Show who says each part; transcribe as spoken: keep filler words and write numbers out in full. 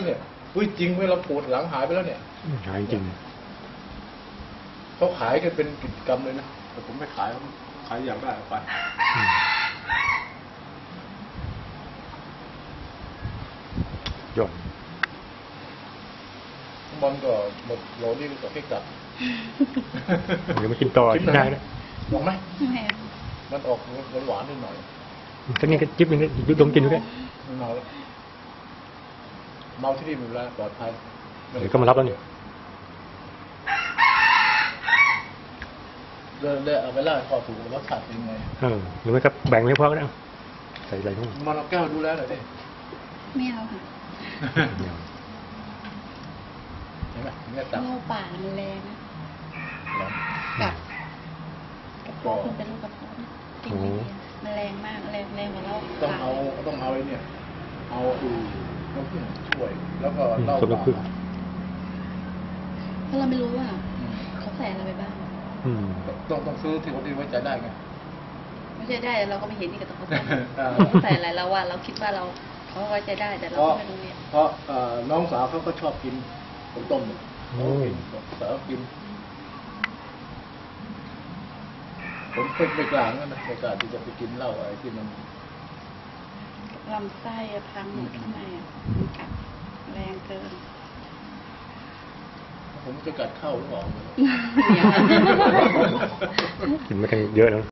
Speaker 1: แล้วเนี่ยอุ้ยจริงไหมเราปวดหลังหายไปแล้วเนี่ย
Speaker 2: หายจริง
Speaker 1: เขาขายกันเป็นกิจกรรมเลยนะแต่ผมไม่ขายขายอย่างได้ไป
Speaker 2: หย่อน
Speaker 1: บอลก็หมดโหลนี่ก็ให้กลับ
Speaker 2: เดี๋ยวมากินต่อกินได้นะ
Speaker 1: ลองไหมมันออกหวานๆนิดหน่อย
Speaker 2: ตอนนี้ก็จิ๊บนึงยุบลงกินด้วย
Speaker 1: เมาแล้วเมาที่นี่มีเวลาปลอดภัย
Speaker 2: เดี๋ยวก็มารับแล้วนี่
Speaker 1: เดินได้เอาไปล่าข้อถูกรสชาติเป็นไง
Speaker 2: เออหรือไม่ก็แบ่งให้พ่อก็ได้ใส่อะไรทั้งหมด
Speaker 1: มันเอาแก้วดูแลหน่อยดิ
Speaker 3: ไม่เอาค่ะ
Speaker 1: เห็นไหมเนี่ยตับ
Speaker 3: งูป่ามันแรงนะกับกับพวกคุณเป็นลูกกระเพาะกินมันแรงมากแรงแรงกว่าเรา
Speaker 1: ต้องเอาต้องเอาไอ้เนี่ยเอาอือน้ำผึ้งช่วยแล้วก็เล่า
Speaker 2: น้ำผึ้ง
Speaker 3: เพราะเราไม่รู้ว่าเขาใส่อะไรไปบ้าง
Speaker 1: ต้องต้องซื้อที่คนที่ไว้ใจได้ไง
Speaker 3: ไม่ใช่ได้เราก็ไม่เห็นนี่ก็ต้องเขาใส่เขาใส่อะไรเราว่าเราคิดว่าเราเขาไว้ใจได้แต่เราไม่รู้เนี่ย
Speaker 1: เพราะน้องสาวเขาก็ชอบกินผงต้มโอ้ยสาวกินผมเคยไปกลางนั่นนะในการที่จะไปกินเหล้าอะไรที่มัน
Speaker 3: ลำไส้พังหมดข้างในมันกัดแรงเกิน
Speaker 1: ผมจะกัดเข้าหรือเปล่า
Speaker 2: กินมากันเยอะแล้ว